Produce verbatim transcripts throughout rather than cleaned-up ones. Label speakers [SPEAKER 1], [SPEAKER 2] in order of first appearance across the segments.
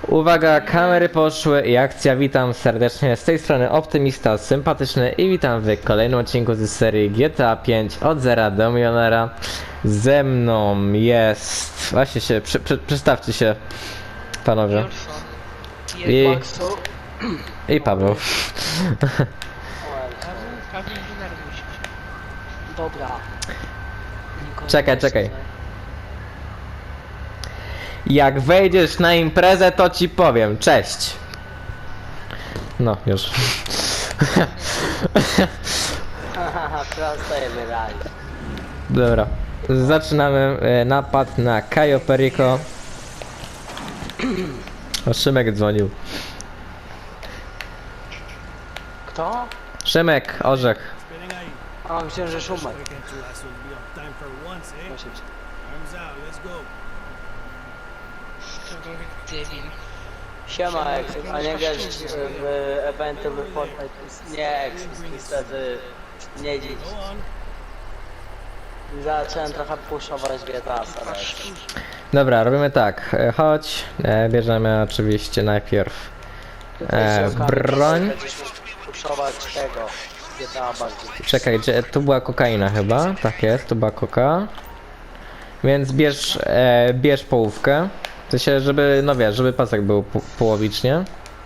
[SPEAKER 1] Uwaga, kamery poszły i akcja. Witam serdecznie z tej strony Optymista Sympatyczny i witam w kolejnym odcinku z serii G T A pięć od zera do milionera. Ze mną jest... Właśnie się, przy, przy, przedstawcie się panowie. I... I Paweł.
[SPEAKER 2] Dobra.
[SPEAKER 1] Czekaj, czekaj. Jak wejdziesz na imprezę, to ci powiem. Cześć. No, już.
[SPEAKER 2] Haha, prosto je wyraźnie.
[SPEAKER 1] Dobra. Zaczynamy e, napad na Cayo Perico. O, Szymek dzwonił.
[SPEAKER 2] Kto?
[SPEAKER 1] Szymek, orzech.
[SPEAKER 2] A, myślałem, że Szumer. Siema, Ex, a nie grasz w eventy w Fortnite? Nie, Ex, niestety nie dziś. Zacząłem trochę puszować G T A Ex.
[SPEAKER 1] Dobra, robimy tak. E, chodź. E, bierzemy oczywiście najpierw e, broń.
[SPEAKER 2] Puszować tego G T A bardziej.
[SPEAKER 1] Czekaj, gdzie, tu była kokaina chyba. Tak jest, tu była koka. Więc bierz, e, bierz połówkę. W sensie, żeby, no wiesz, żeby pasek był po, połowicznie.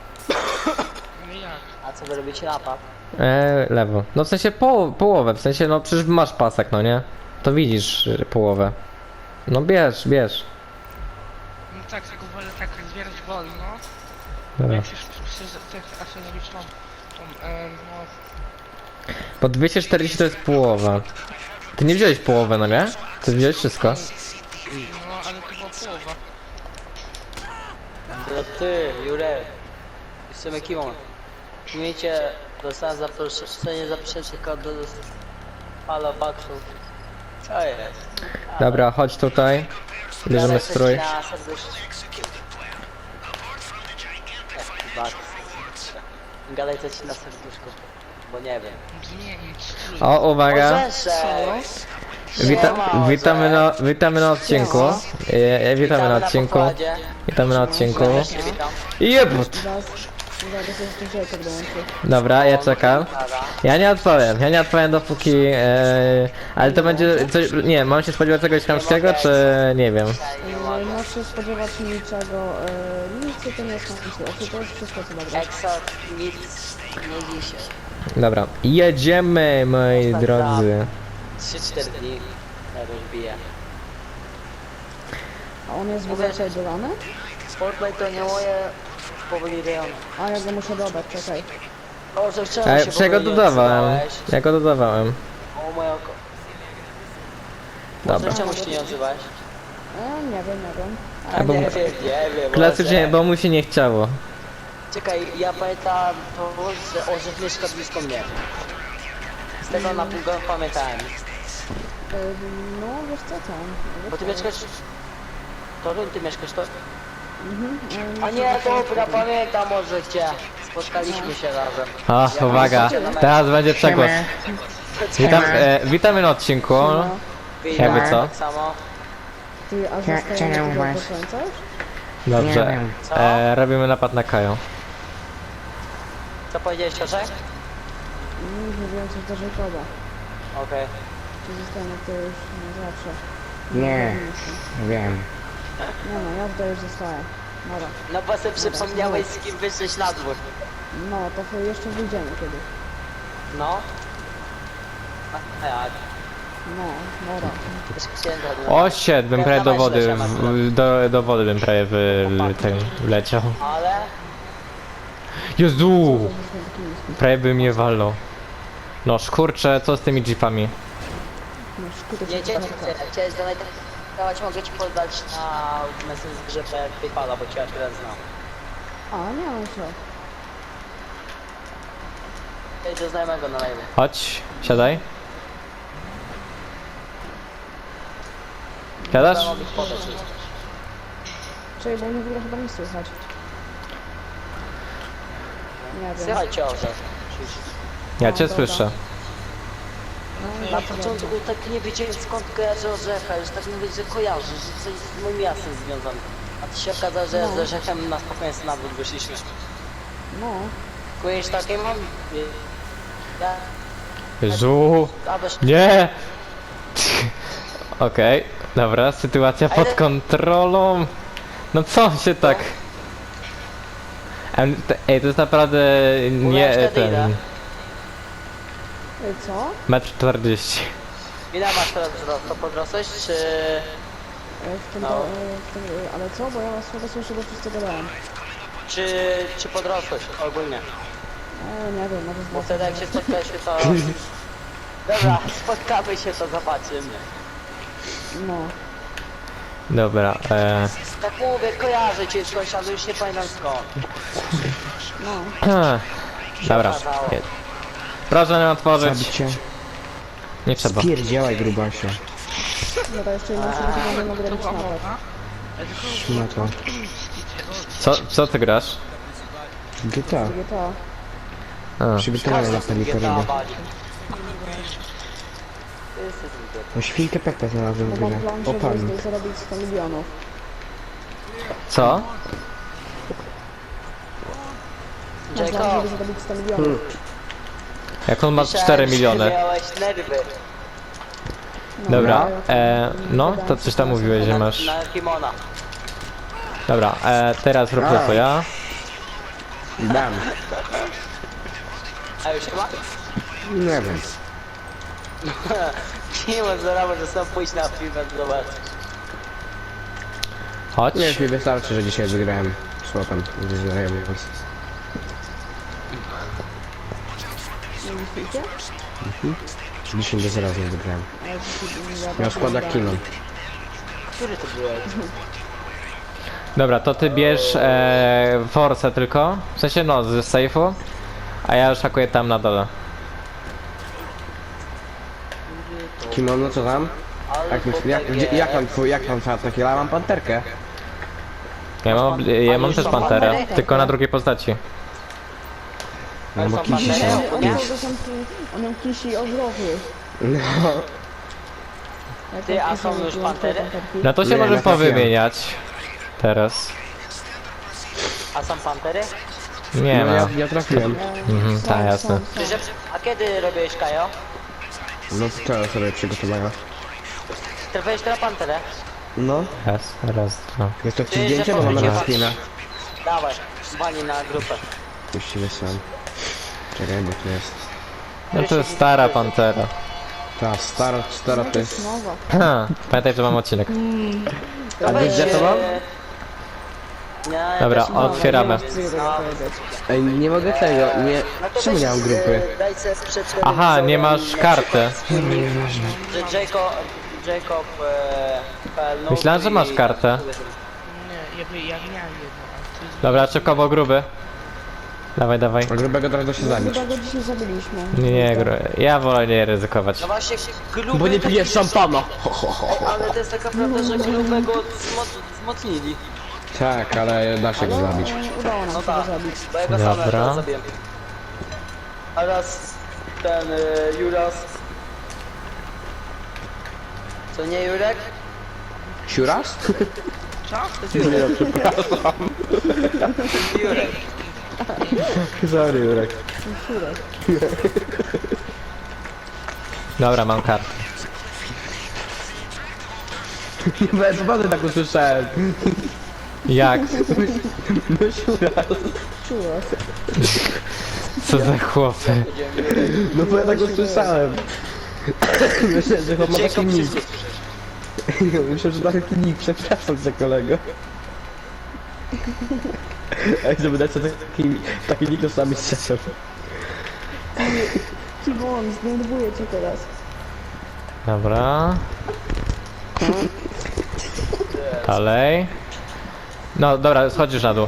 [SPEAKER 2] A co wy robicie napad?
[SPEAKER 1] E, lewo. No w sensie po, połowę, w sensie, no przecież masz pasek, no nie? To widzisz y, połowę. No bierz, bierz.
[SPEAKER 3] No tak, tylko wolę tak zbierać wolno.
[SPEAKER 1] Dobra.
[SPEAKER 3] Jak się chcę zrobić tą, tą, e, no,
[SPEAKER 1] Bo dwieście czterdzieści to jest połowa. Ty nie wziąłeś połowę, no nie? Ty wziąłeś wszystko.
[SPEAKER 3] no ale to była połowa.
[SPEAKER 2] To ty, Jurek. Jestem Kimon. Umiecie, dostałem zaproszenie, zaproszenie kod do Halo Baksów. Co jest?
[SPEAKER 1] Dobra, chodź tutaj. Bierzemy
[SPEAKER 2] Gadaj
[SPEAKER 1] strój.
[SPEAKER 2] coś na serduszku. Ech, Baks. Gadaj coś na serduszku, bo nie wiem.
[SPEAKER 3] Zmienić strój.
[SPEAKER 1] O, uwaga.
[SPEAKER 2] Orzeszek!
[SPEAKER 1] Wita
[SPEAKER 2] Siema,
[SPEAKER 1] witamy, na, witamy na odcinku. E, e, witamy na odcinku.
[SPEAKER 2] pokładzie.
[SPEAKER 1] Witamy na odcinku.
[SPEAKER 2] Też się witam.
[SPEAKER 1] Jebut! Dobra, ja czekam. Ja nie odpowiem, ja nie odpowiem dopóki... E, ale to będzie coś... Nie, mam się spodziewać czegoś chamskiego, czy... nie wiem.
[SPEAKER 4] Nie masz się spodziewać niczego, e, nic to nie jest konfliktu, to jest wszystko co dobre.
[SPEAKER 2] Exot, nic, nie dzisiaj.
[SPEAKER 1] Dobra, jedziemy, moi drodzy.
[SPEAKER 2] trzy cztery dni. Ja rozbiję.
[SPEAKER 4] A on jest wyżej dodany?
[SPEAKER 2] Fortnite to nie moje powoli rejony.
[SPEAKER 4] A ja go muszę dodać, czekaj.
[SPEAKER 2] O, że wczoraj
[SPEAKER 1] Ja,
[SPEAKER 2] się
[SPEAKER 1] ja go
[SPEAKER 2] powoli
[SPEAKER 1] dodawałem,
[SPEAKER 2] odzywałeś.
[SPEAKER 1] ja go dodawałem.
[SPEAKER 2] O moje oko.
[SPEAKER 1] Dobra.
[SPEAKER 2] Może czemu się nie odzywałeś?
[SPEAKER 4] E, nie wiem, nie wiem.
[SPEAKER 2] A
[SPEAKER 1] bo-
[SPEAKER 2] nie wiem, nie wiem.
[SPEAKER 1] Klasycznie,
[SPEAKER 2] może.
[SPEAKER 1] bo mu się nie chciało.
[SPEAKER 2] Czekaj, ja pamiętam to, że Orzech mieszka blisko mnie. Z tego na pół godziny pamiętałem.
[SPEAKER 4] E, no wiesz co tam?
[SPEAKER 2] Bo ty mieszkasz... Toruń, ty mieszkasz to?
[SPEAKER 4] Mhm, e,
[SPEAKER 2] A nie, dobra, pamiętam może cię. Spotkaliśmy się razem.
[SPEAKER 1] O, uwaga, teraz będzie przegłos. Witam, e, witamy na odcinku.
[SPEAKER 2] Witam,
[SPEAKER 1] Jakby co?
[SPEAKER 2] Tak samo.
[SPEAKER 4] Ty, a
[SPEAKER 5] Cze-
[SPEAKER 4] zostajemy
[SPEAKER 5] czemu
[SPEAKER 4] tego
[SPEAKER 5] masz?
[SPEAKER 4] do końca już?
[SPEAKER 1] Dobrze,
[SPEAKER 5] Nie wiem.
[SPEAKER 2] Co?
[SPEAKER 1] e, robimy napad na Kajo.
[SPEAKER 2] Co powiedziałeś, Orzech?
[SPEAKER 4] Mm, mówiłem coś do Jacoba.
[SPEAKER 2] Okej.
[SPEAKER 4] Czy zostanę to już na zawsze?
[SPEAKER 5] Nie, wiem.
[SPEAKER 4] Nie no, ja tutaj już zostaję. Dobra.
[SPEAKER 2] No bo sobie przypomniałeś, z kim wyszłeś na dwór.
[SPEAKER 4] No, to wy- jeszcze wyjdziemy kiedyś.
[SPEAKER 2] No. A jak?
[SPEAKER 4] No, dobra.
[SPEAKER 2] Też chciałem zadać.
[SPEAKER 1] O, shit, bym prawie do wody, w, do, do wody bym prawie wy, ten, wleciał.
[SPEAKER 2] Ale...
[SPEAKER 1] Jezu!
[SPEAKER 4] Jesteśmy taki niski.
[SPEAKER 1] Prawie by mnie walnął. No kurczę, co z tymi jeepami?
[SPEAKER 4] No, szkuty
[SPEAKER 2] Nie, cię chciałeś dawać, mogę ci podać na Messengerze PayPala, bo cię akurat znam.
[SPEAKER 4] A, nie mam co.
[SPEAKER 2] Ej, do znajomego na live.
[SPEAKER 1] Chodź, siadaj. Siadasz?
[SPEAKER 2] Mogę ci podać.
[SPEAKER 4] Czekaj, bo mnie w ogóle chyba nie słychać. Nie wiem.
[SPEAKER 2] Słychać cię, Orzech.
[SPEAKER 1] Ja cię
[SPEAKER 4] dobra.
[SPEAKER 1] słyszę.
[SPEAKER 4] No,
[SPEAKER 2] Na początku tak nie wiedziałem skąd kojarzę Orzecha, już tak mówię, że kojarzę, że coś z moim miastem związane. A A ci się okazało, że z Orzechem na spokojnie na dwór wyszliśmy.
[SPEAKER 4] No,
[SPEAKER 2] Kujesz takie mam? Ja...
[SPEAKER 1] Żu.
[SPEAKER 2] A dość...
[SPEAKER 1] Nie! Okej, dobra, sytuacja pod kontrolą. No co się tak... Em, te- Ej, to jest naprawdę nie
[SPEAKER 2] wtedy ile?
[SPEAKER 1] ten...
[SPEAKER 4] Ej, co?
[SPEAKER 1] metr czterdzieści.
[SPEAKER 2] Ile masz teraz wzrost? To podrosłeś, czy...
[SPEAKER 4] E, W tym,
[SPEAKER 2] No.
[SPEAKER 4] to, e, w tym, e, ale co? Bo ja was słabo słyszę, bo wszyscy gadają.
[SPEAKER 2] czy... czy podrosłeś ogólnie?
[SPEAKER 4] E, nie wiem, może
[SPEAKER 2] Bo
[SPEAKER 4] z
[SPEAKER 2] wtedy jak się spotkaliśmy to... Dobra, spotkamy się to zobaczymy.
[SPEAKER 4] No.
[SPEAKER 1] Dobra, e...
[SPEAKER 2] Tak mówię, kojarzę cię skądś, ale już nie pamiętam skąd.
[SPEAKER 4] No.
[SPEAKER 1] Dobra. Je- Proszę nie otworzyć.
[SPEAKER 5] Zabicie.
[SPEAKER 1] Nie trzeba.
[SPEAKER 5] Spierdziałaj, grubasie.
[SPEAKER 4] No to jeszcze jedna osoba, która nie mogę robić napad.
[SPEAKER 5] No to.
[SPEAKER 1] Co, co ty grasz?
[SPEAKER 5] G T A.
[SPEAKER 4] G T A.
[SPEAKER 1] A.
[SPEAKER 5] Przygotowane na panikę robię. No świnkę Pepe znalazłem
[SPEAKER 4] Bo
[SPEAKER 5] w
[SPEAKER 4] mam
[SPEAKER 5] grze.
[SPEAKER 4] plan,
[SPEAKER 5] O
[SPEAKER 4] żeby
[SPEAKER 5] pan.
[SPEAKER 4] z- zarobić sto milionów.
[SPEAKER 1] Co?
[SPEAKER 4] Mam plan,
[SPEAKER 2] Jacob,
[SPEAKER 4] żeby zarobić sto milionów.
[SPEAKER 1] Jak on ma
[SPEAKER 2] myślałem,
[SPEAKER 1] cztery
[SPEAKER 2] że
[SPEAKER 1] miliony.
[SPEAKER 2] miałeś nerwy.
[SPEAKER 4] No,
[SPEAKER 1] Dobra,
[SPEAKER 4] ja-
[SPEAKER 1] e, no
[SPEAKER 4] gadałem
[SPEAKER 1] to
[SPEAKER 4] z
[SPEAKER 1] coś tam
[SPEAKER 4] Krasem.
[SPEAKER 1] mówiłeś, że
[SPEAKER 2] Na,
[SPEAKER 1] masz.
[SPEAKER 2] na kimona.
[SPEAKER 1] Dobra, e, teraz rób to co ja.
[SPEAKER 5] Dam.
[SPEAKER 2] A już chyba?
[SPEAKER 5] Nie wiem.
[SPEAKER 2] Kimon zaraz że sam pójść na film, zobacz.
[SPEAKER 1] Chodź.
[SPEAKER 5] Nie, już mi wystarczy, że dzisiaj wygrałem z łapem. Ze znajomym.
[SPEAKER 4] Nie myślicie?
[SPEAKER 5] dziesięć do zera z nim wygrałem.
[SPEAKER 4] Ale dzisiaj ja
[SPEAKER 5] Miał
[SPEAKER 4] tak
[SPEAKER 5] skład jak
[SPEAKER 4] nie
[SPEAKER 5] Kinon.
[SPEAKER 2] Który to byłeś?
[SPEAKER 1] Dobra, to ty bierz e, force tylko. W sensie no, z safe'u. A ja już hakuję tam na dole.
[SPEAKER 5] Kinon, no co tam?
[SPEAKER 2] Ale
[SPEAKER 5] Jak, myśl, jak, gdzie, jak mam twój, jak mam czat takiego? Ja mam panterkę.
[SPEAKER 1] Ja mam, ja mam też panterę,
[SPEAKER 2] panterę?
[SPEAKER 1] tylko na drugiej postaci.
[SPEAKER 5] No bo
[SPEAKER 2] są
[SPEAKER 5] kisi
[SPEAKER 2] pantery?
[SPEAKER 5] są.
[SPEAKER 4] On, on,
[SPEAKER 2] Nie.
[SPEAKER 4] miał dostępny, on miał kisi ogromny.
[SPEAKER 5] No.
[SPEAKER 4] Jak
[SPEAKER 2] Ty,
[SPEAKER 4] on
[SPEAKER 2] a
[SPEAKER 4] kisi
[SPEAKER 2] są
[SPEAKER 4] miał
[SPEAKER 2] już
[SPEAKER 4] wyłączone
[SPEAKER 2] pantery?
[SPEAKER 4] panterki.
[SPEAKER 1] No to się
[SPEAKER 5] Nie,
[SPEAKER 1] może
[SPEAKER 5] natrafiłem.
[SPEAKER 1] powymieniać. Teraz.
[SPEAKER 2] A są pantery?
[SPEAKER 1] Nie
[SPEAKER 5] No ja,
[SPEAKER 1] ma.
[SPEAKER 5] ja trafiłem.
[SPEAKER 1] Mhm,
[SPEAKER 4] Są,
[SPEAKER 1] tak,
[SPEAKER 4] są,
[SPEAKER 1] jasne.
[SPEAKER 4] są.
[SPEAKER 2] Czy, że, a kiedy robiłeś Kajo?
[SPEAKER 5] No to co sobie przygotowałem?
[SPEAKER 2] Trafiłeś na panterę?
[SPEAKER 5] No.
[SPEAKER 1] Raz, raz, dwa.
[SPEAKER 5] Jest to w
[SPEAKER 2] Ty,
[SPEAKER 5] tym
[SPEAKER 2] że
[SPEAKER 5] zdjęcie, bo mam
[SPEAKER 2] powiedział-
[SPEAKER 5] na spina.
[SPEAKER 2] Dawaj, wali na grupę.
[SPEAKER 5] Puścimy sam. Czekaj, bo to jest.
[SPEAKER 1] No to jest stara pantera.
[SPEAKER 5] Ta stara, stara to jest.
[SPEAKER 4] Nowa.
[SPEAKER 1] Ha, pamiętaj, że mam odcinek.
[SPEAKER 5] A wiesz, to mam?
[SPEAKER 2] Nie, ja
[SPEAKER 1] Dobra,
[SPEAKER 2] też mam.
[SPEAKER 1] otwieramy.
[SPEAKER 4] Nie chcę tego powiedzieć.
[SPEAKER 5] Ej, nie mogę tego, nie.
[SPEAKER 2] No to
[SPEAKER 5] Czemu
[SPEAKER 2] weź,
[SPEAKER 5] nie mam grupy?
[SPEAKER 2] e, Daj sobie przed
[SPEAKER 1] Aha, nie masz karty.
[SPEAKER 2] Że Jacob... Jacob... E, P L Noob
[SPEAKER 1] Myślałem, że masz
[SPEAKER 2] i-
[SPEAKER 1] kartę.
[SPEAKER 3] Nie, ja, by- ja miałem jedno, a ty...
[SPEAKER 1] Dobra, szybko, bo gruby. Dawaj, dawaj.
[SPEAKER 5] A grubego teraz da się zabić.
[SPEAKER 4] Chyba go dzisiaj zabiliśmy.
[SPEAKER 1] Nie, nie, gru... ja wolę nie ryzykować.
[SPEAKER 2] No właśnie, gruby...
[SPEAKER 5] Bo nie pijesz szampana.
[SPEAKER 2] Ale to jest taka prawda, że grubego zmo wzmocnili.
[SPEAKER 5] Tak, ale da się go
[SPEAKER 4] Ale
[SPEAKER 5] zabić.
[SPEAKER 4] e, udało nam
[SPEAKER 2] No
[SPEAKER 4] się go
[SPEAKER 2] tak,
[SPEAKER 4] zabić.
[SPEAKER 2] bo ja go sam
[SPEAKER 1] Dobra.
[SPEAKER 2] teraz zabiłem. A raz ten y, Juras... Co nie Jurek?
[SPEAKER 5] Siuras?
[SPEAKER 3] Co?
[SPEAKER 2] Jurek.
[SPEAKER 5] Sorry, Jurek.
[SPEAKER 1] Dobra, mam kartę.
[SPEAKER 5] Bez wody tak usłyszałem.
[SPEAKER 1] Jak?
[SPEAKER 5] No siuras.
[SPEAKER 4] Czuło.
[SPEAKER 1] Co za chłopy?
[SPEAKER 5] No bo ja tak usłyszałem. Myślę, że chłop ma taki
[SPEAKER 2] Jacob
[SPEAKER 5] nick.
[SPEAKER 2] wszystkie...
[SPEAKER 5] Myślę, że ma taki nick, przepraszam za kolego. Ej, żeby dać sobie taki, taki nick, to sami strzeszą.
[SPEAKER 4] Timon, zdenerwuję cię teraz.
[SPEAKER 1] Dobra. Dalej. No dobra, schodzisz na dół.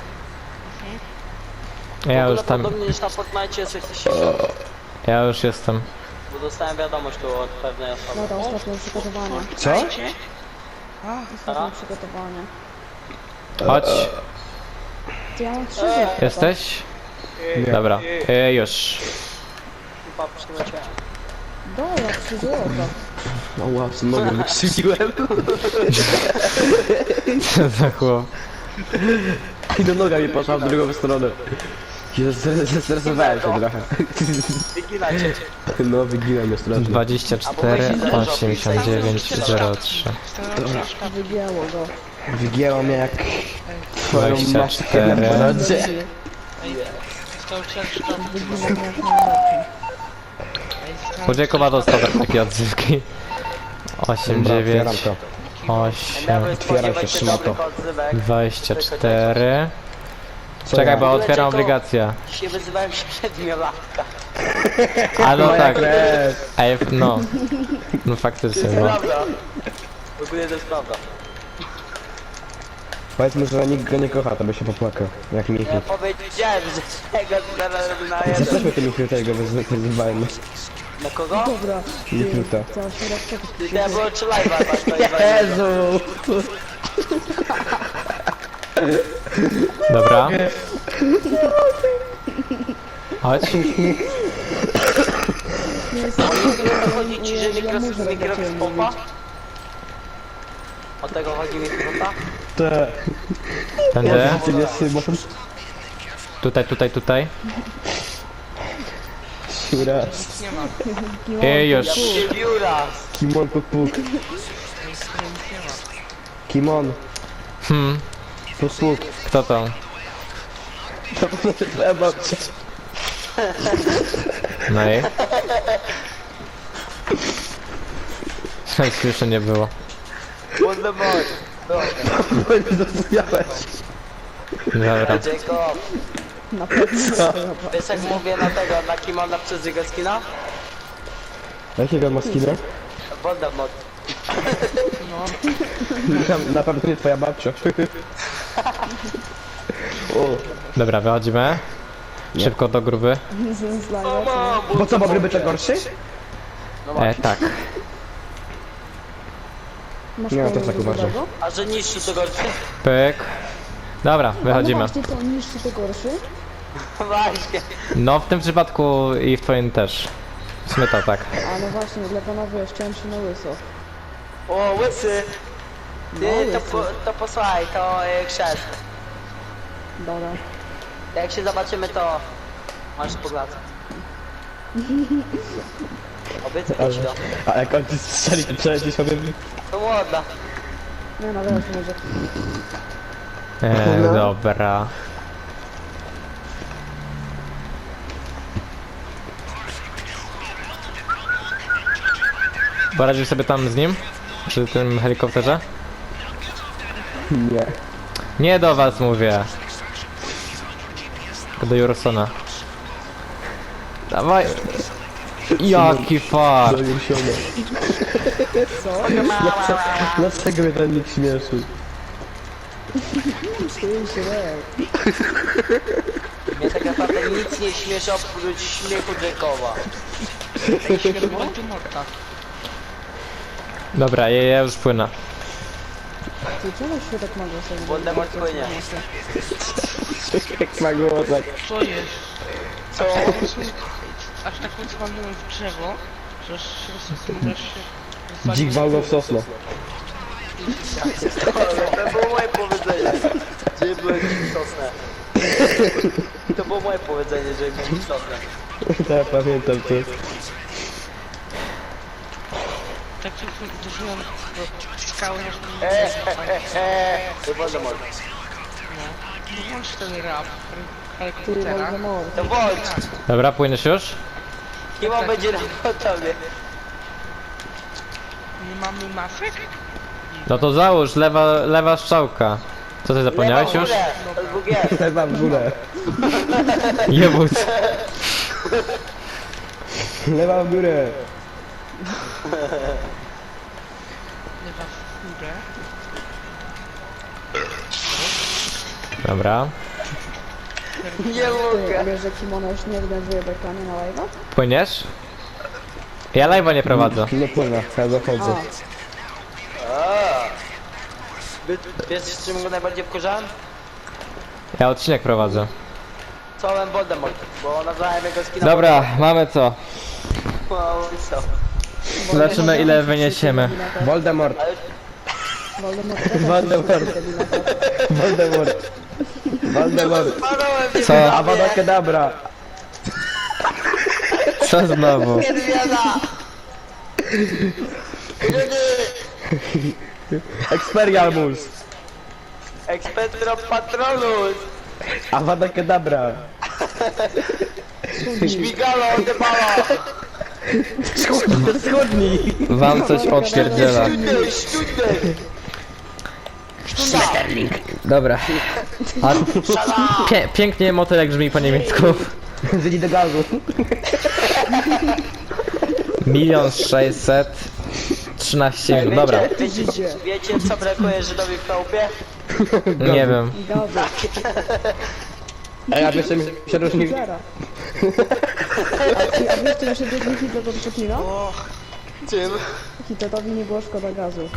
[SPEAKER 1] Ja już tam,
[SPEAKER 2] Podobnie niż na Fortnite jest jakiś się...
[SPEAKER 1] ja już jestem.
[SPEAKER 2] Bo dostałem wiadomość tu od pewnej osoby.
[SPEAKER 4] Dobra, ostatnie przygotowanie.
[SPEAKER 5] Co?
[SPEAKER 4] Ostatnie przygotowanie.
[SPEAKER 1] Chodź,
[SPEAKER 4] To ja mam trzy złote.
[SPEAKER 1] jesteś? Dobra, e, już.
[SPEAKER 2] Chyba przyleciałem.
[SPEAKER 4] Dobra, trzy złote.
[SPEAKER 5] No wow, co nogę wykrzywiłem.
[SPEAKER 1] Co za chłop.
[SPEAKER 5] I do noga mi poszła w drugą stronę. Jezu, zestresowałem się trochę.
[SPEAKER 2] Wyginajcie.
[SPEAKER 5] No, wygiłem mnie strasznie.
[SPEAKER 1] dwadzieścia cztery, osiemdziesiąt dziewięć, zero trzy.
[SPEAKER 4] Wygięło go.
[SPEAKER 5] Wygięło mnie jak twoją
[SPEAKER 1] dwadzieścia
[SPEAKER 5] matkę
[SPEAKER 1] cztery.
[SPEAKER 5] na porodzie.
[SPEAKER 3] Ej, został ciężko.
[SPEAKER 4] Wygięło mnie jak najbardziej.
[SPEAKER 3] Ej, został
[SPEAKER 1] Chudziekowa dostał takie odzywki. osiem,
[SPEAKER 5] Dobra,
[SPEAKER 1] dziewięć,
[SPEAKER 5] otwieram to.
[SPEAKER 1] osiem,
[SPEAKER 2] Miałbym
[SPEAKER 5] Otwieram się,
[SPEAKER 2] spodziewać się
[SPEAKER 5] trzyma to.
[SPEAKER 2] dobrych odzywek.
[SPEAKER 1] dwadzieścia cztery.
[SPEAKER 5] Co
[SPEAKER 1] Czekaj,
[SPEAKER 5] ja?
[SPEAKER 1] bo otwieram obligację.
[SPEAKER 2] Się wyzywałem siedmiolatka.
[SPEAKER 1] A no
[SPEAKER 5] Moja
[SPEAKER 1] tak.
[SPEAKER 5] krew.
[SPEAKER 1] Ej, no. No faktycznie,
[SPEAKER 2] To jest
[SPEAKER 1] no.
[SPEAKER 2] prawda. W ogóle to jest prawda.
[SPEAKER 5] Powiedz mu, że nikt go nie kocha, to by się popłakał. Jak Michał.
[SPEAKER 2] Ja powiedziałem, że tego zaraz na jeden.
[SPEAKER 5] Zapraszmy tym Michał tego wyzywajmy.
[SPEAKER 2] Na kogo?
[SPEAKER 4] Dobra.
[SPEAKER 5] Michał.
[SPEAKER 4] Trzeba się rozczekać.
[SPEAKER 2] To ja było czy live'a, masz to jest
[SPEAKER 5] Jezu!
[SPEAKER 1] Dobra. Chodź.
[SPEAKER 2] Chodzi ci, że mikros, mikros pompa? O tego chodzi mi pompa?
[SPEAKER 5] Te...
[SPEAKER 1] Tędy.
[SPEAKER 5] Ty nie Szymon?
[SPEAKER 1] Tutaj, tutaj, tutaj.
[SPEAKER 5] Raz.
[SPEAKER 3] nie ma.
[SPEAKER 1] I już.
[SPEAKER 2] Ja przybił raz.
[SPEAKER 5] Kimon puk puk.
[SPEAKER 3] Ej, stary, nic nie ma.
[SPEAKER 5] Kimon.
[SPEAKER 1] Hmm.
[SPEAKER 5] Puk puk.
[SPEAKER 1] Kto to?
[SPEAKER 5] To będzie twoja babcia.
[SPEAKER 1] No i? Nic jeszcze nie było.
[SPEAKER 2] What the boy?
[SPEAKER 5] Bo nie zrozumiałeś.
[SPEAKER 1] Dobra.
[SPEAKER 2] Jacob,
[SPEAKER 4] Na pewno.
[SPEAKER 2] wiesz jak mówię na tego, na Kimona przez jego skina?
[SPEAKER 5] Jakiego ma skina?
[SPEAKER 2] Voldemort.
[SPEAKER 5] Na, na pewno nie twoja babcia. O.
[SPEAKER 1] Dobra, wychodzimy. Szybko do gruby.
[SPEAKER 4] Z live'a,
[SPEAKER 2] O, mam,
[SPEAKER 5] Bo co, bo gryby to gorszy?
[SPEAKER 1] E, tak.
[SPEAKER 4] Masz
[SPEAKER 5] Nie, ja
[SPEAKER 4] kogoś
[SPEAKER 5] też tak uważam.
[SPEAKER 4] dobrego?
[SPEAKER 2] A że niższy to gorszy?
[SPEAKER 1] Pyk. Dobra,
[SPEAKER 4] No
[SPEAKER 1] wychodzimy.
[SPEAKER 4] właśnie, to niższy to gorszy.
[SPEAKER 2] Właśnie.
[SPEAKER 1] No w tym przypadku i w twoim też. W sumie to tak.
[SPEAKER 4] A no właśnie, dla pana wiesz, chciałem się na łyso.
[SPEAKER 2] O, łysy.
[SPEAKER 4] No,
[SPEAKER 2] Ty, to,
[SPEAKER 4] łysy.
[SPEAKER 2] po, to posłuchaj, to e, chrzest.
[SPEAKER 4] Dobra.
[SPEAKER 2] Jak się zobaczymy, to masz pogladę. Obiecaj ci to.
[SPEAKER 5] A jak on ci strzeli, to przeleci sobie...
[SPEAKER 2] To młoda.
[SPEAKER 4] Nie no, wiesz, może.
[SPEAKER 1] E, dobra. Poradził sobie tam z nim? Przy tym helikopterze?
[SPEAKER 5] Nie.
[SPEAKER 1] Nie do was mówię. Tylko do Jursona. Dawaj. Jaki fart.
[SPEAKER 5] Doniesione.
[SPEAKER 4] Co?
[SPEAKER 5] Dlaczego mnie ten nikt śmieszy?
[SPEAKER 4] Czuję się lepiej.
[SPEAKER 2] Mnie tak naprawdę nic nie śmieszy oprócz śmiechu Jacoba.
[SPEAKER 3] Ej, świetny Voldemorta.
[SPEAKER 1] Dobra, ja, ja już płynę.
[SPEAKER 4] Ty czemu się tak ma głosem?
[SPEAKER 2] Voldemort płynie.
[SPEAKER 5] Jak ma głosek.
[SPEAKER 3] Co jest?
[SPEAKER 2] Co?
[SPEAKER 3] Aż tak ucwalnąłem w drzewo, że aż się rozsunąłeś się... rozwaliłem.
[SPEAKER 5] Dzik wał go w sosno.
[SPEAKER 2] To było moje powiedzenie. Że byłem dzik sosnę. To było moje powiedzenie, że byłem dzik sosnę.
[SPEAKER 5] Tak, pamiętam to.
[SPEAKER 3] Tak tylko uderzyłem do skały, aż mi
[SPEAKER 2] Eee,
[SPEAKER 3] nie złapać.
[SPEAKER 2] eee, to Voldemort.
[SPEAKER 3] No. Włącz ten rap
[SPEAKER 4] Ty,
[SPEAKER 3] helikoptera.
[SPEAKER 4] Voldemort.
[SPEAKER 2] To Volt.
[SPEAKER 1] Dobra, płyniesz już?
[SPEAKER 2] Kim on będzie na tobie?
[SPEAKER 3] Nie mamy masek?
[SPEAKER 1] No to załóż, lewa, lewa strzałka. Co ty zapomniałeś
[SPEAKER 2] Lewa w
[SPEAKER 1] już?
[SPEAKER 2] górę, to dwóch jest.
[SPEAKER 5] Lewa w górę.
[SPEAKER 1] Jebut.
[SPEAKER 5] Lewa w górę.
[SPEAKER 3] Lewa w górę.
[SPEAKER 1] Dobra.
[SPEAKER 2] Nie
[SPEAKER 4] Ty, a
[SPEAKER 2] mogę.
[SPEAKER 4] wiesz, że kimono już nie organizuje bekanie na live'a?
[SPEAKER 1] Płyniesz? Ja live'a nie prowadzę.
[SPEAKER 5] Nie płynę, ja zachodzę.
[SPEAKER 2] A. Wy- Wiesz, z czym go najbardziej wkurzałem?
[SPEAKER 1] Ja odcinek prowadzę.
[SPEAKER 2] Czołem Voldemort, bo nazwałem jego skina.
[SPEAKER 1] Dobra, mamy co?
[SPEAKER 2] Wow, co?
[SPEAKER 1] Zobaczymy ile wyniesiemy.
[SPEAKER 5] Voldemort.
[SPEAKER 4] Voldemort.
[SPEAKER 5] Voldemort. Voldemort. Voldemort.
[SPEAKER 2] Parałem
[SPEAKER 1] Co?
[SPEAKER 5] Avada Kedavra.
[SPEAKER 1] Co znowu?
[SPEAKER 2] Niedźwiada!
[SPEAKER 5] Expelliarmus.
[SPEAKER 2] Expectro Patronus!
[SPEAKER 5] Avada Kedavra.
[SPEAKER 2] Śmigalo, odebala!
[SPEAKER 5] Schudnij.
[SPEAKER 1] Wam coś odpierdziela.
[SPEAKER 2] Śniudej, śniudej!
[SPEAKER 1] Dobra. A pie pięknie motylek brzmi po niemiecku.
[SPEAKER 5] Wyjdź do gazu.
[SPEAKER 1] Milion sześćset trzynaście minut. Dobra,
[SPEAKER 2] Wiecie, wiecie co brakuje Żydowi w chałupie?
[SPEAKER 1] nie wiem.
[SPEAKER 4] Gazu.
[SPEAKER 5] A ja wiesz, czym się różni?
[SPEAKER 4] Zera. A ty- a wiesz, czym się różni Hitler od Czeplina?
[SPEAKER 2] Czym?
[SPEAKER 4] Hitlerowi nie było szkoda gazu.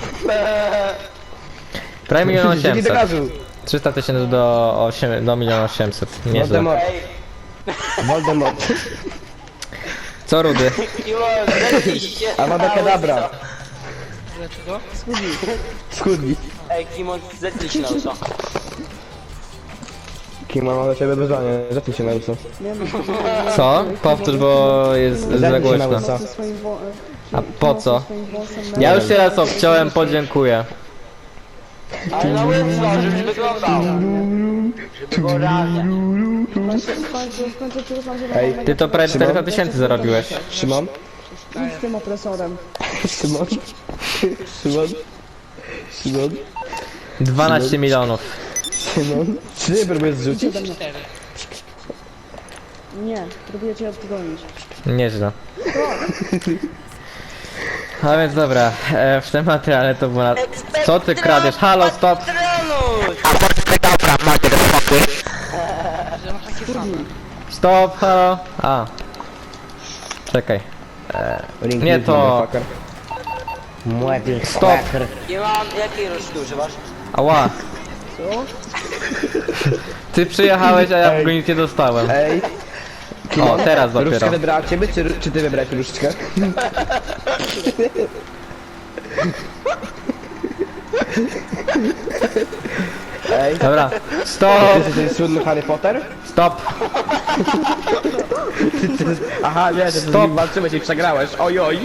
[SPEAKER 1] Prawie milion
[SPEAKER 5] Wyjdź do
[SPEAKER 1] osiemset.
[SPEAKER 5] gazu.
[SPEAKER 1] trzysta tysięcy do, osiem- do miliona osiemset. Nieźle.
[SPEAKER 5] Voldemort.
[SPEAKER 2] Ej,
[SPEAKER 5] Voldemort.
[SPEAKER 1] Co Rudy?
[SPEAKER 2] Kimon, zetnij się!
[SPEAKER 5] Avada Kedavra.
[SPEAKER 3] Dlaczego?
[SPEAKER 5] Schudnij.
[SPEAKER 2] Ej, Kimon, zetnij się na uso.
[SPEAKER 5] Kim mam do ciebie wyzwanie? Zetnij się na uso.
[SPEAKER 4] Nie wiem.
[SPEAKER 1] Co? Powtórz, bo jest za
[SPEAKER 5] Zajmij się
[SPEAKER 1] głośno.
[SPEAKER 5] nauką.
[SPEAKER 4] Ze swoim wo-
[SPEAKER 1] A po co?
[SPEAKER 4] swoim włosem
[SPEAKER 1] Ja już się raz obciąłem, podziękuję.
[SPEAKER 2] Ale na łyso, żeby wyglądał. Żeby było realnie.
[SPEAKER 4] W końcu, w końcu przyznam, że
[SPEAKER 5] Ej,
[SPEAKER 4] mam
[SPEAKER 1] Ty to prawie czterysta tysięcy zarobiłeś.
[SPEAKER 5] Szymon?
[SPEAKER 4] I z tym opresorem.
[SPEAKER 5] Szymon? Szymon? Szymon?
[SPEAKER 1] dwanaście milionów.
[SPEAKER 5] Szymon? Czy nie próbujesz zrzucić?
[SPEAKER 3] Cztery.
[SPEAKER 4] Nie, próbuję cię odgonić.
[SPEAKER 1] Nieźle. A więc dobra, e, w tym materiale to było na... Co ty kradziesz? Halo, stop!
[SPEAKER 2] Patronus!
[SPEAKER 3] Że masz takie same.
[SPEAKER 1] Stop, halo! A. Czekaj.
[SPEAKER 5] Ring
[SPEAKER 1] Nie
[SPEAKER 5] ring,
[SPEAKER 1] to.
[SPEAKER 5] motherfucker.
[SPEAKER 1] Stop!
[SPEAKER 2] Kimon, jakiej rośliny używasz?
[SPEAKER 1] Ała.
[SPEAKER 4] Co?
[SPEAKER 1] Ty przyjechałeś, a ja w go nic nie dostałem.
[SPEAKER 5] Ej,
[SPEAKER 1] O, teraz
[SPEAKER 5] różdżkę
[SPEAKER 1] dopiero.
[SPEAKER 5] wybrała ciebie, czy, czy ty wybrałeś różdżkę? Ej,
[SPEAKER 1] Dobra.
[SPEAKER 5] ty
[SPEAKER 1] Stop!
[SPEAKER 5] jesteś ten słynny Harry Potter?
[SPEAKER 1] Stop!
[SPEAKER 5] Aha, nie, że ty z
[SPEAKER 1] Stop.
[SPEAKER 5] nim walczyłeś i przegrałeś, oj oj.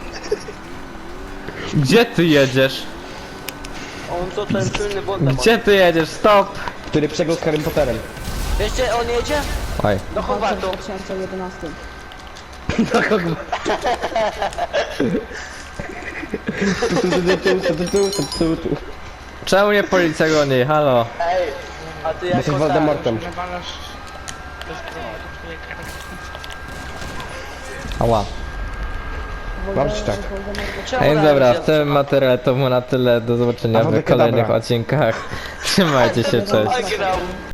[SPEAKER 1] Gdzie ty jedziesz?
[SPEAKER 2] On to ten słynny Voldemort.
[SPEAKER 1] Gdzie ty jedziesz? Stop!
[SPEAKER 5] Który przegrał z Harry Potterem.
[SPEAKER 2] Wiecie, on jedzie?
[SPEAKER 1] Oj.
[SPEAKER 2] Do
[SPEAKER 4] W
[SPEAKER 2] Hogwartu.
[SPEAKER 4] dwa tysiące jedenastym.
[SPEAKER 1] Czemu nie policja goni? Halo?
[SPEAKER 2] Ej, a ty
[SPEAKER 5] Jesteś
[SPEAKER 2] jako
[SPEAKER 5] Voldemortem.
[SPEAKER 3] Nawalasz bezbronnego człowieka.
[SPEAKER 1] Ała.
[SPEAKER 5] Mam ci tak.
[SPEAKER 1] A więc dobra, w tym materiale to było na tyle. Do zobaczenia
[SPEAKER 5] A
[SPEAKER 1] w
[SPEAKER 5] wodek
[SPEAKER 1] kolejnych
[SPEAKER 5] dobra.
[SPEAKER 1] odcinkach. Trzymajcie się, cześć.
[SPEAKER 2] Wygrał.